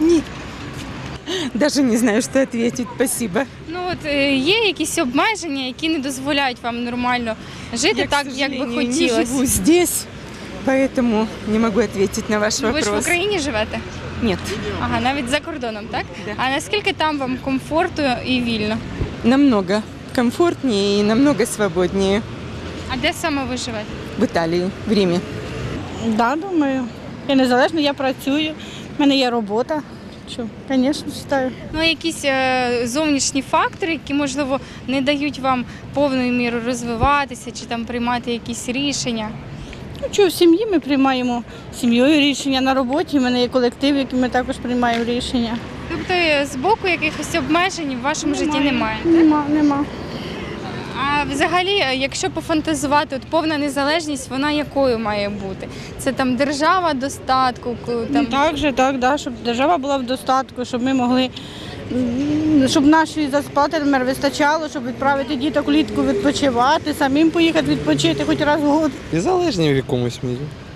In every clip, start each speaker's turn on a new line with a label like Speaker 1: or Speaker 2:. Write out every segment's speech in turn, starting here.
Speaker 1: Ні. Даже не знаю, что ответить. Спасибо.
Speaker 2: Ну от є якісь обмеження, які не дозволяють вам нормально жити
Speaker 1: Я,
Speaker 2: так,
Speaker 1: к
Speaker 2: як би
Speaker 1: сожалению, не
Speaker 2: хотілося.
Speaker 1: живу здесь, поэтому не могу ответить на ваш
Speaker 2: Ви ж в
Speaker 1: вопрос.
Speaker 2: Україні живете?
Speaker 1: Нет,
Speaker 2: Ага, навіть за кордоном, так?
Speaker 1: Да.
Speaker 2: А наскільки там вам комфортно і вільно?
Speaker 1: намного комфортнее и намного свободнее
Speaker 2: А де саме ви живете?
Speaker 1: в Италии, в Риме.
Speaker 3: Да, думаю. Я незалежно, я працюю, в мене є робота. Що, звісно, вважаю.
Speaker 2: Ну, якісь зовнішні фактори, які, можливо, не дають вам повною мірою розвиватися чи там приймати якісь рішення.
Speaker 3: Ну, що, в сім'ї ми приймаємо сім'єю рішення, на роботі в мене є колектив, який ми також приймаємо рішення.
Speaker 2: Тобто з боку якихось обмежень в вашому житті немає?
Speaker 3: Нема.
Speaker 2: А взагалі, якщо пофантазувати, от повна незалежність, вона якою має бути? Це там держава достатку? Там...
Speaker 3: Так, щоб держава була в достатку, щоб ми могли, щоб нашої зарплати вистачало, щоб відправити діток влітку відпочивати, самим поїхати відпочити хоч раз в год.
Speaker 4: Незалежні в якомусь мірі.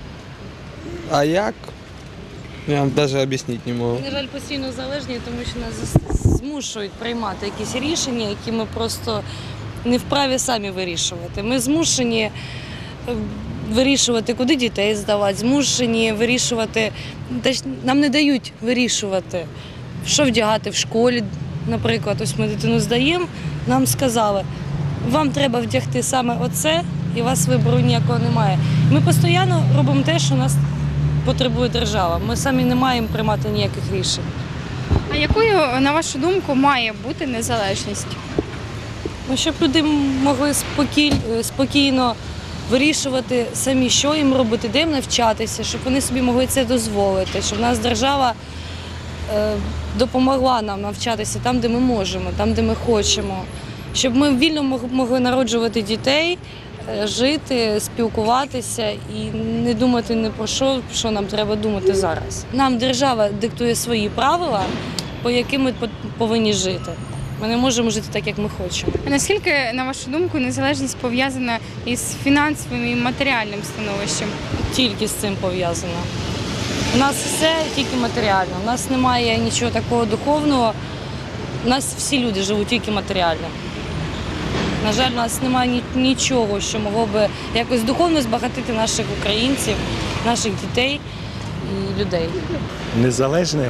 Speaker 4: А як? Я вам навіть об'яснити не можу.
Speaker 5: На жаль, постійно залежні, тому що нас змушують приймати якісь рішення, які ми просто не вправі самі вирішувати. Ми змушені вирішувати, куди дітей здавати, змушені вирішувати, нам не дають вирішувати, що вдягати в школі. Наприклад, ось ми дитину здаємо, нам сказали, вам треба вдягти саме оце, і у вас вибору ніякого немає. Ми постійно робимо те, що нас потребує держава. Ми самі не маємо приймати ніяких рішень.
Speaker 2: А якою, на вашу думку, має бути незалежність?
Speaker 5: Ну, щоб люди могли спокійно вирішувати самі, що їм робити, де їм навчатися, щоб вони собі могли це дозволити, щоб нас держава допомогла нам навчатися там, де ми можемо, там, де ми хочемо, щоб ми вільно могли народжувати дітей, жити, спілкуватися і не думати ні про що нам треба думати зараз. Нам держава диктує свої правила, по яким ми повинні жити. Ми не можемо жити так, як ми хочемо.
Speaker 2: А наскільки, на вашу думку, незалежність пов'язана із фінансовим і матеріальним становищем?
Speaker 5: Тільки з цим пов'язано. У нас все тільки матеріально, у нас немає нічого такого духовного, у нас всі люди живуть тільки матеріально. На жаль, у нас немає нічого, що могло би якось духовно збагатити наших українців, наших дітей і людей.
Speaker 6: Незалежним?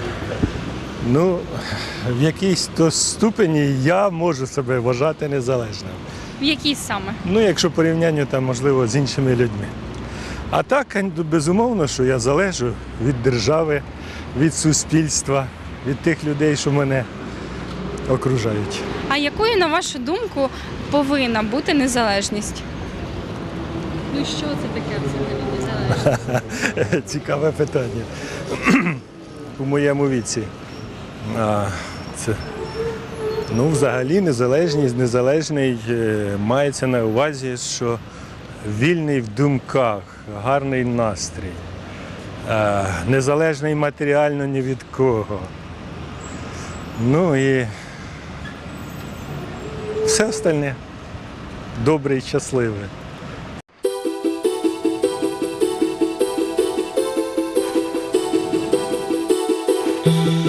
Speaker 6: Ну, в якійсь то ступені я можу себе вважати незалежним.
Speaker 2: В якій саме?
Speaker 6: Ну, якщо порівняння там, можливо, з іншими людьми. А так, безумовно, що я залежу від держави, від суспільства, від тих людей, що мене окружають.
Speaker 2: А якою, на вашу думку, повинна бути незалежність?
Speaker 5: Ну що це таке взагалі незалежність?
Speaker 6: Цікаве питання. У моєму віці. Ну, взагалі, незалежний мається на увазі, що вільний в думках, гарний настрій, незалежний матеріально ні від кого. Ну і все остальне добре і щасливе.
Speaker 7: Thank